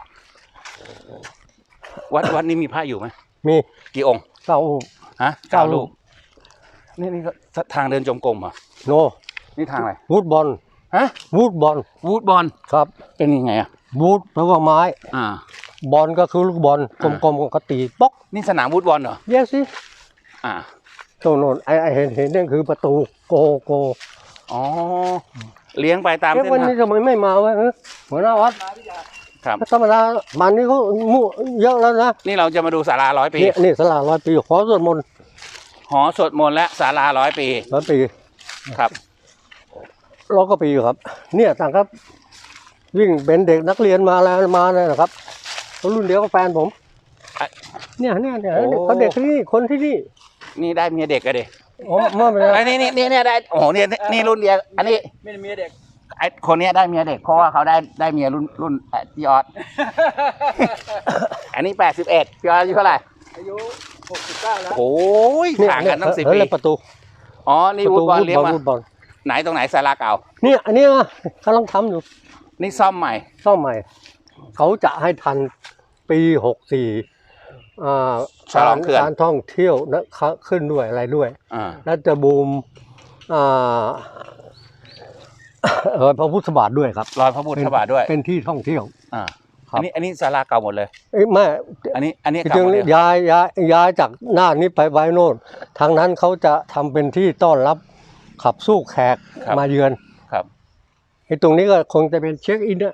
[SPEAKER 1] วัดวัดนี้มีพระอยู่ไหม
[SPEAKER 3] มี
[SPEAKER 1] กี่องค์
[SPEAKER 3] เก้ารูป
[SPEAKER 1] ฮะ
[SPEAKER 3] เก้ารูป
[SPEAKER 1] นี่นี่ก็ทางเดินจงกรมเหรอ่ะ
[SPEAKER 3] โน
[SPEAKER 1] นี่ทางอะไร
[SPEAKER 3] วูดบอล
[SPEAKER 1] ฮะ
[SPEAKER 3] วูดบอล
[SPEAKER 1] วูดบอล
[SPEAKER 3] ครับ
[SPEAKER 1] เป็นยังไงอ่ะ
[SPEAKER 3] วูดแปลว่าไม้
[SPEAKER 1] อ่า
[SPEAKER 3] บอลก็คือลูกบอลก
[SPEAKER 1] อ่า
[SPEAKER 3] ลมๆก็ตีป๊อก
[SPEAKER 1] นี่สนามวูดบอลเหรอ
[SPEAKER 3] เย้สิ
[SPEAKER 1] อ่า
[SPEAKER 3] โน่นโน่นไอ้ไอ้เห็นเห็นนั่นคือประตูโกโก
[SPEAKER 1] อ๋อเลี้ยงไปตาม
[SPEAKER 3] เอ๊ะ
[SPEAKER 1] เส้น
[SPEAKER 3] วัน
[SPEAKER 1] ทาง
[SPEAKER 3] นี้ทำไมไม่มาวะเออหัวหน้าวัด
[SPEAKER 1] ครับ
[SPEAKER 3] ธรรมดามันนี้เขามู่เยอะแล้วนะ
[SPEAKER 1] นี่เราจะมาดูศาลาร้อยปี
[SPEAKER 3] นี่นี่สลาร้อยปีขอสวดมนต์
[SPEAKER 1] หอสวดมนต์และศาลาร้อยปี
[SPEAKER 3] ร้อยปี
[SPEAKER 1] ครับ
[SPEAKER 3] ร้อยกว่าปีครับ เนี่ยต่างครับ วิ่งเป็นเด็กนักเรียนมาแล้วมาเลยนะครับเขารุ่นเดียวกับแฟนผม
[SPEAKER 1] อ่ะ
[SPEAKER 3] เนี่ยเนี่ยเนี่ย
[SPEAKER 1] โอ้
[SPEAKER 3] เขาเด็กที่นี่คนที่นี่
[SPEAKER 1] นี่ได้เมียเด็กอะเด็ก
[SPEAKER 3] อ๋อไม่เป็นไร
[SPEAKER 1] ไอ้นี่นี่นี่เนี่ยได้โอ้โหเนี่ยนี่รุ่นเดียวอันนี้
[SPEAKER 4] ไม่ได้เมียเด็ก
[SPEAKER 1] ไอ้คนเนี้ยได้เมียเด็กเพราะว่าเขาได้ได้เมียรุ่นรุ่นเอ่อพี่ออส อันนี้แปดสิบเอ็ดพี่ออสอายุเท่าไหร่
[SPEAKER 4] อายุหกสิบเก้าแล้ว
[SPEAKER 1] โอ้ย
[SPEAKER 3] เนี่ย
[SPEAKER 1] ห่างกันตั้งสิบ
[SPEAKER 3] เฮ้ย
[SPEAKER 1] ปี
[SPEAKER 3] แล้วประตู
[SPEAKER 1] อ๋อนี่วูดบอลเลี้ยงมา
[SPEAKER 3] วูดบอล
[SPEAKER 1] ไหนตรงไหนศาลาเก่า
[SPEAKER 3] เนี่ยอันเนี้ยกำลังทำอยู่
[SPEAKER 1] นี่ซ่อมใหม่
[SPEAKER 3] ซ่อมใหม่ เขาจะให้ทันปีหกสี่อ่า
[SPEAKER 1] ฉลองเขื่อน
[SPEAKER 3] การท่องเที่ยวนะขึ้นด้วยอะไรด้วย
[SPEAKER 1] อ่า
[SPEAKER 3] แล้วจะบูมอ่า เออพระพุทธบาทด้วยครับ
[SPEAKER 1] รอยพระพุทธบาทด้วย
[SPEAKER 3] เป็นที่ท่องเที่ยว
[SPEAKER 1] อ่า
[SPEAKER 3] ครับ
[SPEAKER 1] อันนี้อันนี้ศาลาเก่าหมดเลย
[SPEAKER 3] เอ้ยไม่
[SPEAKER 1] อันนี้อันนี้
[SPEAKER 3] จ
[SPEAKER 1] เก่า
[SPEAKER 3] ริง
[SPEAKER 1] หมดเลย
[SPEAKER 3] ๆย้ายย้ายย้ายจากหน้านี้ไปไว้โน่นทางนั้นเขาจะทำเป็นที่ต้อนรับขับสู้แขกมาเยือน
[SPEAKER 1] ครับ
[SPEAKER 3] ไอ้ตรงนี้ก็คงจะเป็นเช็คอินเนี่ย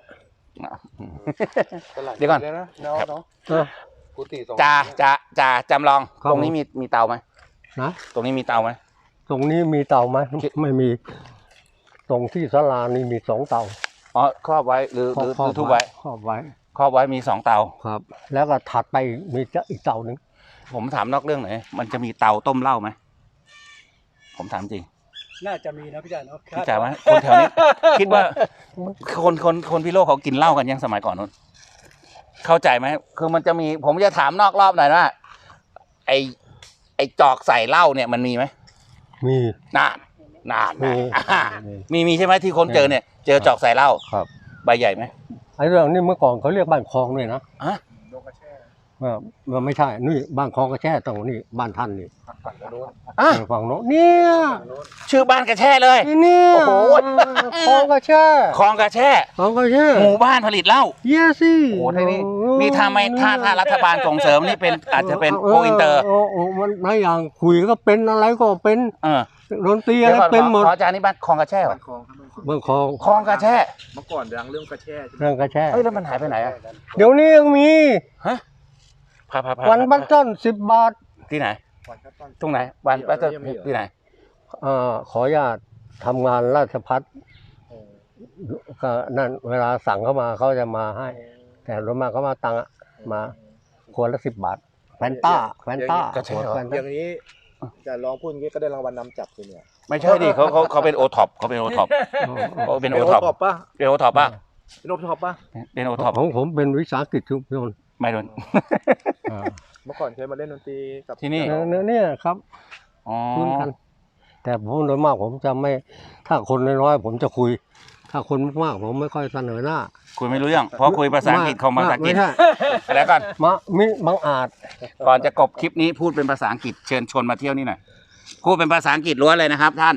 [SPEAKER 1] เดี๋ยวก่อน
[SPEAKER 2] นะเนาะเนาะ
[SPEAKER 3] อ่ะ
[SPEAKER 2] กุฏิสอง
[SPEAKER 1] จ่าจ่าจ่าจำลอง
[SPEAKER 3] ครับ
[SPEAKER 1] ตรงนี้มีมีเตาไหม
[SPEAKER 3] นะ
[SPEAKER 1] ตรงนี้มีเตาไหม
[SPEAKER 3] ตรงนี้มีเตาไหมไม่มี ตรงที่ศาลานี่มีสองเตา
[SPEAKER 1] อ๋อครอบไว้หรือหรือหรือทุบไว้
[SPEAKER 3] ครอบไว้
[SPEAKER 1] ครอบไว้มีสองเตา
[SPEAKER 3] ครับ แล้วก็ถัดไปมีจะอีกเตาหนึ่ง
[SPEAKER 1] ผมถามนอกเรื่องหน่อยมันจะมีเตาต้มเหล้าไหมผมถามจริง
[SPEAKER 4] น่าจะมีนะพี่จ่าเนาะ
[SPEAKER 1] พี่จ๋าไหมคนแถวนี้ คิดว่าคนคนคนพิโลกเขากินเหล้ากันยังสมัยก่อนนู้นเข้าใจไหมคือมันจะมี ผมจะถามนอกรอบหน่อยว่าไอไอจอกใส่เหล้าเนี่ยมันมีไหม
[SPEAKER 3] มี
[SPEAKER 1] นานนาน
[SPEAKER 3] มี
[SPEAKER 1] อ่ามีมีใช่ไหมที่คนเจอเนี่ย เจอจอกใส่เหล้า
[SPEAKER 3] ครับ
[SPEAKER 1] ใบใหญ่ไหม
[SPEAKER 3] ไอ้เรื่องนี้เมื่อก่อนเขาเรียกบ้านคลองด้วยนะ
[SPEAKER 1] อะ
[SPEAKER 3] เออมันไม่ใช่ นี่บ้านคลองกระแช่ตรงนี้บ้านท่านนี่
[SPEAKER 1] อ่ะ
[SPEAKER 3] ฝั่งโน้นเนี่ย
[SPEAKER 1] ชื่อบ้านกระแช่เลย
[SPEAKER 3] นี่เนี่ย
[SPEAKER 1] โอ้โห
[SPEAKER 3] คลองกระแช่
[SPEAKER 1] คลองกระแช่
[SPEAKER 3] คลองกระแช่
[SPEAKER 1] หมู่บ้านผลิตเหล้า
[SPEAKER 3] เยสิ
[SPEAKER 1] โอ้โหไทยนี่นี่ถ้าไม่ถ้าถ้ารัฐบาลส่งเสริมนี่เป็นอาจจะเป็นโกอินเตอร์
[SPEAKER 3] โอ้โหมันหลายอย่างคุยก็เป็นอะไรก็เป็น
[SPEAKER 1] เออ
[SPEAKER 3] ดนตรี
[SPEAKER 1] เดี๋
[SPEAKER 3] อะ
[SPEAKER 1] ยว
[SPEAKER 3] ไร
[SPEAKER 1] ก่อน
[SPEAKER 3] เป็นหมด
[SPEAKER 1] ขออาจารย์นี่บ้านคลองกระแช่เหรอ
[SPEAKER 2] คลองครับ
[SPEAKER 3] เมืองคลอง
[SPEAKER 1] คลองกระแช่
[SPEAKER 2] เมื่อก่อนดังเรื่องกระแช่ใช่ไหม
[SPEAKER 3] เรื่องกระแช่
[SPEAKER 1] เอ้ยแล้วมันหายไปไหนอะ
[SPEAKER 3] เดี๋ยวนี้ยังมี
[SPEAKER 1] ฮะพาพาพา
[SPEAKER 3] วันบัตรต้นสิบบาท
[SPEAKER 1] ที่ไหน
[SPEAKER 2] วันครับต้น
[SPEAKER 1] ตรงไหนวันบัตร
[SPEAKER 2] ยังมีเหรอ
[SPEAKER 1] ที่ไหน
[SPEAKER 3] เอ่อขออนุญาตทำงานราชพัฒ
[SPEAKER 2] เออ
[SPEAKER 3] ก็นั่นเวลาสั่งเข้ามาเขาจะมาให้ แต่รถมาเขามาตังค์อะมาขวดละสิบบาทแฟนต้าแฟนต้า
[SPEAKER 1] ก็ใช่เหรอ
[SPEAKER 3] แฟน
[SPEAKER 2] อ
[SPEAKER 3] ต้า
[SPEAKER 2] ย่างนี้จะลองพูดอย่างนี้ก็ได้รางวัลนำจับเลยเนี่ย
[SPEAKER 1] ไม่ใช่ดิเขาเขาเขาเป็นโอท็อปเขาเป็นโอท็อปเขาเป็นโอท็อป
[SPEAKER 2] ท็อปป่ะ
[SPEAKER 1] เป็นโอท็อปป่ะ
[SPEAKER 2] เป็นโอท็อปป่ะ
[SPEAKER 1] เป็นโอท็อป
[SPEAKER 3] ของผมเป็นวิสาหกิจชุมชน
[SPEAKER 1] ไม่โดน
[SPEAKER 3] อ่า
[SPEAKER 2] เมื่อก่อนเคยมาเล่นดนตรีกับ
[SPEAKER 1] ที่นี่
[SPEAKER 3] เนี่ยเนี่ยครับ
[SPEAKER 1] อ๋อ
[SPEAKER 3] คุ้นกัน แต่ผมโดยมากผมจะไม่ ถ้าคนน้อยๆผมจะคุย ถ้าคนมากๆผมไม่ค่อยเสนอหน้า
[SPEAKER 1] คุยไม่รู้เรื่องเพราะคุยภาษาอังกฤษของภาษาอังกฤษ
[SPEAKER 3] ไม่ใช่
[SPEAKER 1] แล้วก่อน
[SPEAKER 3] มะมิบังอาจ
[SPEAKER 1] ก่อนจะกบคลิปนี้พูดเป็นภาษาอังกฤษเชิญชวนมาเที่ยวนี่หน่อยพูดเป็นภาษาอังกฤษล้วนเลยนะครับท่าน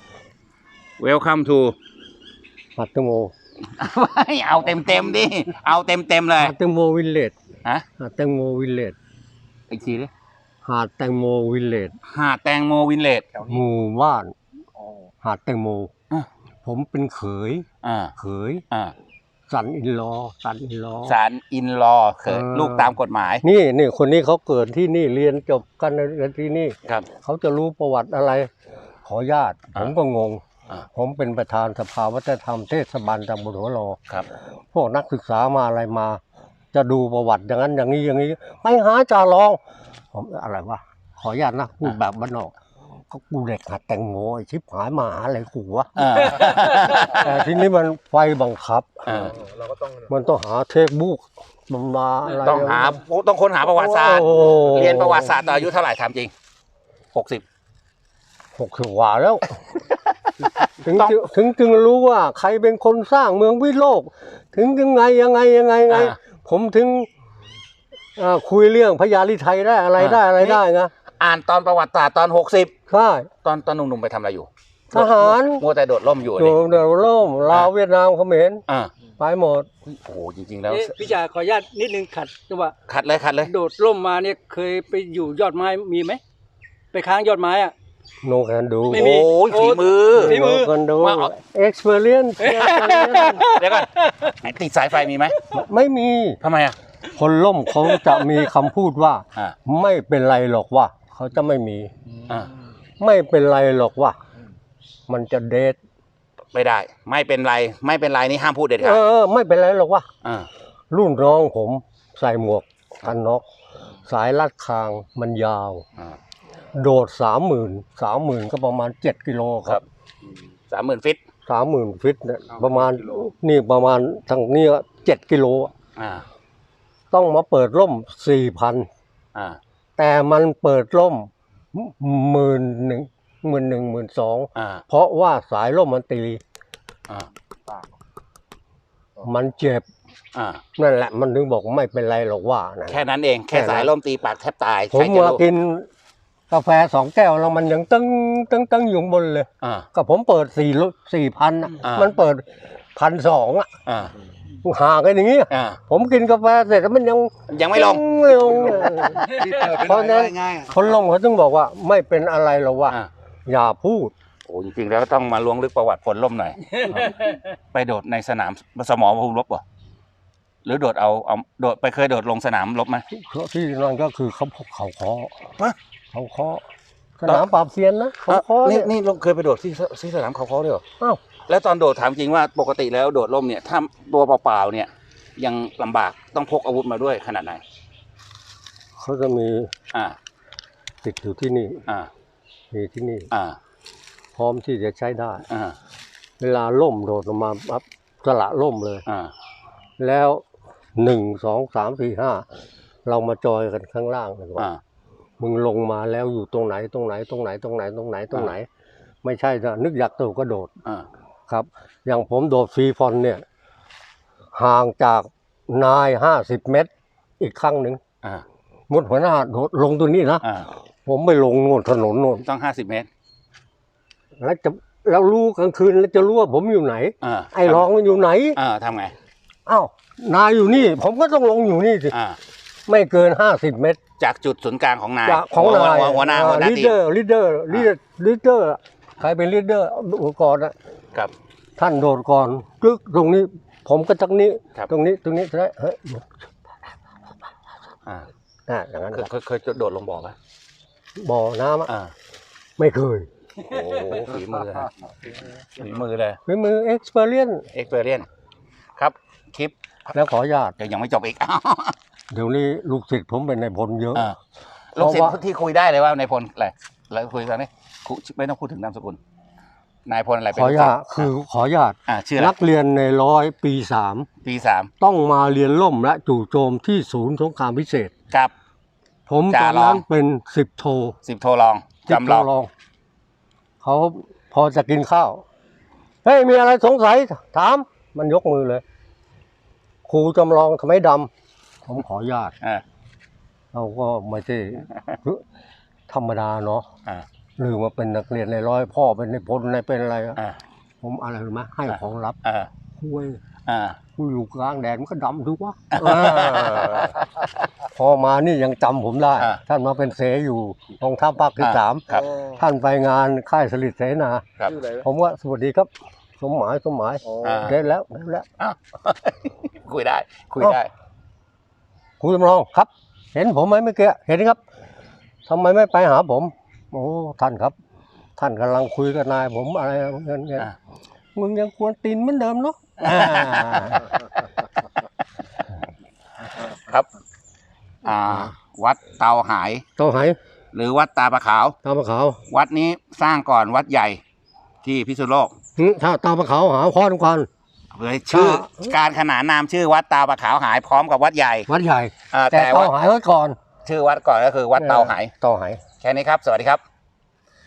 [SPEAKER 1] Welcome to
[SPEAKER 3] หัตถโม
[SPEAKER 1] เอาเต็มเต็มๆดิเอาเต็มเต็มๆเลย
[SPEAKER 3] หาดแตงโมวิลเลจ
[SPEAKER 1] ฮะ
[SPEAKER 3] หาดแตงโมวิลเลจ
[SPEAKER 1] อีกทีดิ
[SPEAKER 3] หาดแตงโมวิลเลจ
[SPEAKER 1] หาดแตงโมวินเลจ
[SPEAKER 3] หมู่บ้าน
[SPEAKER 2] อ๋อ
[SPEAKER 3] หาดแตงโม
[SPEAKER 1] อ่ะ
[SPEAKER 3] ผมเป็นเขย
[SPEAKER 1] อ่า
[SPEAKER 3] เขย
[SPEAKER 1] อ่า
[SPEAKER 3] สันอินลอสันอินลอ
[SPEAKER 1] ศาลอินลอเขิน
[SPEAKER 3] เออ
[SPEAKER 1] ลูกตามกฎหมาย
[SPEAKER 3] นี่นี่คนนี้เขาเกิดที่นี่เรียนจบกันเรียนที่นี่
[SPEAKER 1] ครับ
[SPEAKER 3] เขาจะรู้ประวัติอะไร ขอญาต
[SPEAKER 1] อ่า
[SPEAKER 3] ผมก็งง
[SPEAKER 1] อ่า
[SPEAKER 3] ผมเป็นประธานสภาวัฒนธรรมเทศบาลตำบลหัวรอ
[SPEAKER 1] ครับ
[SPEAKER 3] พวกนักศึกษามาอะไรมา จะดูประวัติอย่างนั้นอย่างนี้อย่างนี้ไปหาจ่าลอง ผมอะไรวะขอญาตนะพูดแบบบ้านนอกก็กูเด็กหัดแตงโมไอ้ชิบหายมาหาอะไรกูวะ
[SPEAKER 1] อ่า
[SPEAKER 3] แต่ทีนี้มันไฟบังคับ
[SPEAKER 1] อ่า
[SPEAKER 2] เราก็ต้อง
[SPEAKER 3] มันต้องหาเทคบุ๊กมันมาอะไร
[SPEAKER 1] ต้องหาต้องค้นหาประวัติศาสตร์
[SPEAKER 3] โอ้
[SPEAKER 1] เรียนประวัติศาสตร์ต่ออายุเท่าไหร่ถามจริงหกสิบ
[SPEAKER 3] หกสิบกว่าแล้ว ถึง
[SPEAKER 1] ต้อง
[SPEAKER 3] จึงถึงจึงรู้ว่าใครเป็นคนสร้างเมืองวิโลก ถึงยังไงยังไงยังไงไง ผมถึงอ่าคุยเรื่องพญาลิไทยได้อะไรได้อะไรได้นะ
[SPEAKER 1] อ่านตอนประวัติศาสตร์ตอนหกสิบ
[SPEAKER 3] ใช่
[SPEAKER 1] ตอนตอนหนุ่มๆไปทำอะไรอยู่
[SPEAKER 3] ทหาร
[SPEAKER 1] มัวแต่โดดร่มอยู่
[SPEAKER 3] โด
[SPEAKER 1] นี่
[SPEAKER 3] นเดยวล่มลาวเวียดนามเขมร
[SPEAKER 1] อ่า
[SPEAKER 3] ไปหมด
[SPEAKER 1] โอ้โหจริงๆแล้ว
[SPEAKER 4] เอ๊ะพี่จ่าขออนุญาตนิดนึงขัดจังหวะ
[SPEAKER 1] ขัดเลยขัดเลย
[SPEAKER 4] โดดร่มมาเนี่ยเคยไปอยู่ยอดไม้มีไหมไปค้างยอดไม้อ่ะ
[SPEAKER 3] โนแคนดู
[SPEAKER 4] ไม่มี
[SPEAKER 1] โอ้ยฝีมือ
[SPEAKER 4] ฝีมือ
[SPEAKER 3] กันดู
[SPEAKER 1] ว่าเอา
[SPEAKER 3] experience
[SPEAKER 1] เดี๋ยวก่อนไอ้ติดสายไฟมีไหม
[SPEAKER 3] ไม่มี
[SPEAKER 1] ทำไมอ่ะ
[SPEAKER 3] คนล่มเขาจะมีคำพูดว่า
[SPEAKER 1] อ่า
[SPEAKER 3] ไม่เป็นไรหรอกว่าเขาจะไม่มี
[SPEAKER 1] อ่า
[SPEAKER 3] ไม่เป็นไรหรอกว่า มันจะเดท
[SPEAKER 1] ไม่ได้ ไม่เป็นไรไม่เป็นไรนี่ห้ามพูดเด็ด
[SPEAKER 3] เอ
[SPEAKER 1] ขาด
[SPEAKER 3] อไม่เป็นไรหรอกว่า
[SPEAKER 1] อ่า
[SPEAKER 3] รุ่นน้องผมใส่หมวกกันน็อกสายลัดคางมันยาว
[SPEAKER 1] อ่า
[SPEAKER 3] โดดสามหมื่นสามหมื่นก็ประมาณเจ็ดกิโลค
[SPEAKER 1] ครั
[SPEAKER 3] รับบ
[SPEAKER 1] สามหมื่นฟิต
[SPEAKER 3] สามหมื่นฟิตเนี่ยประมาณนี่ประมาณทางนี้เจ็ดกิโล
[SPEAKER 1] อ่า
[SPEAKER 3] ต้องมาเปิดร่มสี่พัน
[SPEAKER 1] อ่า
[SPEAKER 3] แต่มันเปิดร่มหมื่นหนึ่งหมื่นหนึ่งหมื่นสอง
[SPEAKER 1] อ่า
[SPEAKER 3] เพราะว่าสายร่มมันตี
[SPEAKER 1] อ่า
[SPEAKER 3] มันเจ็บ
[SPEAKER 1] อ่า
[SPEAKER 3] นั่นแหละมันถึงบอกไม่เป็นไรหรอกว่านะ
[SPEAKER 1] แค่นั้นเองแค่
[SPEAKER 3] แค่นั้น
[SPEAKER 1] สายล่มตีปากแทบตาย
[SPEAKER 3] ผม
[SPEAKER 1] ใครจะ
[SPEAKER 3] มา
[SPEAKER 1] รู้
[SPEAKER 3] กินกาแฟสองแก้วแล้วมันยังตึ้งตึ้งตึ้งอยู่บนเลย
[SPEAKER 1] อ่า
[SPEAKER 3] ก็ผมเปิดสี่สี่พัน
[SPEAKER 1] อ่ามั
[SPEAKER 3] มันเปิดพันสองอ่ะ
[SPEAKER 1] อ่า
[SPEAKER 3] ห่างกันอย่างงี้
[SPEAKER 1] อ่า
[SPEAKER 3] ผมกินกาแฟเสร็จแล้วมันยัง
[SPEAKER 1] ยังไม่ลง
[SPEAKER 3] ไม่ลง
[SPEAKER 2] รีบเปิดไป
[SPEAKER 3] เพราะฉะนั้น
[SPEAKER 2] ง่ายๆอะ
[SPEAKER 3] คนลงเขาต้องบอกว่าไม่เป็นอะไรหรอกว่า
[SPEAKER 1] อ่า
[SPEAKER 3] อย่าพูด
[SPEAKER 1] โอ้จริงๆแล้วต้องมาล้วงลึกประวัติพลล่มหน่อย ไปโดดในสนามสมรภูมิรบเหรอหรือโดดเอาเอาโดดไปเคยโดดลงสนามรบไหม
[SPEAKER 3] ที่นั่นก็คือเขาเขาเคาะ
[SPEAKER 1] ฮะ
[SPEAKER 3] เขาเคาะสนามปราบเซียนนะเขาเคาะ
[SPEAKER 1] นี่
[SPEAKER 3] เนี่ย
[SPEAKER 1] นี่ลงเคยไปโดดที่ที่สนามเขาเขาด้วยเหรอ
[SPEAKER 3] อ้าว
[SPEAKER 1] แล้วตอนโดดถามจริงว่าปกติแล้วโดดร่มเนี่ยถ้าตัวเปล่าๆเนี่ย ยังลำบากต้องพกอาวุธมาด้วยขนาดไหน
[SPEAKER 3] เขาจะมี
[SPEAKER 1] อ่า
[SPEAKER 3] ติดอยู่ที่นี่
[SPEAKER 1] อ่า
[SPEAKER 3] มีที่นี่
[SPEAKER 1] อ่า
[SPEAKER 3] พร้อมที่จะใช้ได้
[SPEAKER 1] อ่า
[SPEAKER 3] เวลาล่มโดดลงมาปั๊บสละล่มเลย
[SPEAKER 1] อ่า
[SPEAKER 3] แล้วหนึ่งสองสามสี่ห้าเรามาจอยกันข้างล่างกันว่า
[SPEAKER 1] อ่า
[SPEAKER 3] มึงลงมาแล้วอยู่ตรงไหนตรงไหนตรงไหนตรงไหนตรงไหนตรงไหน ไม่ใช่นะนึกอยากโดดก็โดด
[SPEAKER 1] อ่า
[SPEAKER 3] ครับ อย่างผมโดดฟรีฟอนเนี่ย ห่างจากนายห้าสิบเมตร อีกครั้งหนึ่ง
[SPEAKER 1] อ่า
[SPEAKER 3] หมดหัวหน้าโดดลงตัวนี้นะ
[SPEAKER 1] อ่า
[SPEAKER 3] ผมไม่ลงโน่นถนนโน่น
[SPEAKER 1] ต้องห้าสิบเมตร
[SPEAKER 3] แล้วจะแล้วรู้กลางคืนแล้วจะรู้ว่าผมอยู่ไหน
[SPEAKER 1] อ่า
[SPEAKER 3] ไอ้รองมันอยู่ไหน
[SPEAKER 1] อ่าทำไง
[SPEAKER 3] อ้าวนายอยู่นี่ ผมก็ต้องลงอยู่นี่สิ
[SPEAKER 1] อ่า
[SPEAKER 3] ไม่เกินห้าสิบเมตร
[SPEAKER 1] จากจุดศูนย์กลางของนาย
[SPEAKER 3] จากของนาย
[SPEAKER 1] หัวหัวหน้าหัวหน้า
[SPEAKER 3] ลีด
[SPEAKER 1] ที
[SPEAKER 3] เด
[SPEAKER 1] ม
[SPEAKER 3] อร์ลีดเดอร์ลีดเดอร์ลีดเดอร์ใครเป็นลีดเดอร์อุปกรณ์อะ
[SPEAKER 1] ครับ
[SPEAKER 3] ท่านโดดก่อนกึกตรงนี้ ผมก็ตรงนี้
[SPEAKER 1] ครับ
[SPEAKER 3] ตรงนี้ตรงนี้จะได้เฮ้ย
[SPEAKER 1] อ่า
[SPEAKER 3] อ่าอย่างนั้น
[SPEAKER 1] เคย
[SPEAKER 3] ครับ
[SPEAKER 1] เคยเคยโดดลงบ่อไหม
[SPEAKER 3] บ่อน้ำอะ
[SPEAKER 1] อ่า
[SPEAKER 3] ไม่เคย
[SPEAKER 1] โอ้โหฝีมือฮะฝีมือเลย
[SPEAKER 3] เป็นมือเอ็กซ์เพรียน
[SPEAKER 1] เอ็กเพรียนครับคลิป
[SPEAKER 3] แล้วขออนุญาต
[SPEAKER 1] เดี๋ยวยังไม่จบอีก
[SPEAKER 3] เดี๋ยวนี้ลูกศิษย์ผมเป็นนายพลเยอะ
[SPEAKER 1] อ่าลูกศิษย์ที่คุยได้เลยว่าในายพลอะไรแล้วคุยกันนี่คุไม่ต้องพูดถึงนามสกุลนายพลอะไร
[SPEAKER 3] ข
[SPEAKER 1] เป็น
[SPEAKER 3] ออนุ
[SPEAKER 1] ลูกศิ
[SPEAKER 3] ญา
[SPEAKER 1] ษ
[SPEAKER 3] ต
[SPEAKER 1] ย์
[SPEAKER 3] คือขออนุญาต
[SPEAKER 1] อ่าชื่ออะไร
[SPEAKER 3] นักเรียนในร้อยปีสาม
[SPEAKER 1] ปีสาม
[SPEAKER 3] ต้องมาเรียนล่มและจู่โจมที่ศูนย์สงครามพิเศษ
[SPEAKER 1] กับ
[SPEAKER 3] ผมต
[SPEAKER 1] จ่า
[SPEAKER 3] อน
[SPEAKER 1] รอง
[SPEAKER 3] นั้นเป็นสิบโท
[SPEAKER 1] สิบโทรอง
[SPEAKER 3] สิบ
[SPEAKER 1] จำลอง
[SPEAKER 3] โทรองเขาพอจะกินข้าว เฮ้ย มีอะไรสงสัย ถาม มันยกมือเลย ครูจำลองทำไมดำ ผมขออนุญาต
[SPEAKER 1] อ่า
[SPEAKER 3] เราก็ไม่ใช่ธรรมดาเนาะ
[SPEAKER 1] อ่า
[SPEAKER 3] หรือมาเป็นนักเรียนในร้อยพ่อเป็นในพลในเป็นอะไรอะ
[SPEAKER 1] อ่า
[SPEAKER 3] ผมอะไรรู้ไหมให้ของรับ
[SPEAKER 1] อ่า
[SPEAKER 3] คุย
[SPEAKER 1] อ่า
[SPEAKER 3] กูอยู่กลางแดดมันก็ดำทุกวะ พอมานี่ยังจำผมได้
[SPEAKER 1] อ่า
[SPEAKER 3] ท่านมาเป็นเสอยู่กองทัพภาคที่สาม
[SPEAKER 1] ครับ
[SPEAKER 3] ท่านไปงานค่ายสลิดเสนา
[SPEAKER 1] ครับ
[SPEAKER 2] ชื่ออะไรนะ
[SPEAKER 3] ผมว่าสวัสดีครับ สมหมายสมหมาย
[SPEAKER 1] อ่า
[SPEAKER 3] ได้แล้วได้แล้ว
[SPEAKER 1] อ้าว คุยได้ คุยได้
[SPEAKER 3] ครูจำลองครับ เห็นผมไหมเมื่อกี้เห็นครับทำไมไม่ไปหาผม โอ้ท่านครับ ท่านกำลังคุยกับนายผมอะไรเงี้ยเงี้ย
[SPEAKER 1] อ่า
[SPEAKER 3] มึงยังควรตีนเหมือนเดิมเนาะ
[SPEAKER 1] ครับ อ่า วัดเตาหาย
[SPEAKER 3] ต้องหาย
[SPEAKER 1] หรือวัดตาปะขาว
[SPEAKER 3] ตาปะขาว
[SPEAKER 1] วัดนี้สร้างก่อนวัดใหญ่ที่พิษณุโลก
[SPEAKER 3] หึถ้าตาปะขาวหาข้อทุกคน
[SPEAKER 1] เลยชื่อ
[SPEAKER 3] ถ้า
[SPEAKER 1] การขนานนามชื่อวัดตาปะขาวหายพร้อมกับวัดใหญ่
[SPEAKER 3] วัดใหญ่
[SPEAKER 1] อ่า
[SPEAKER 3] แต่
[SPEAKER 1] แต่
[SPEAKER 3] เตา
[SPEAKER 1] ว่า
[SPEAKER 3] หายไว้ก่อน
[SPEAKER 1] ชื่อวัดก่อนก็คือวัดเตาหาย
[SPEAKER 3] เตาหาย
[SPEAKER 1] แค่นี้ครับ สวัสดีครับ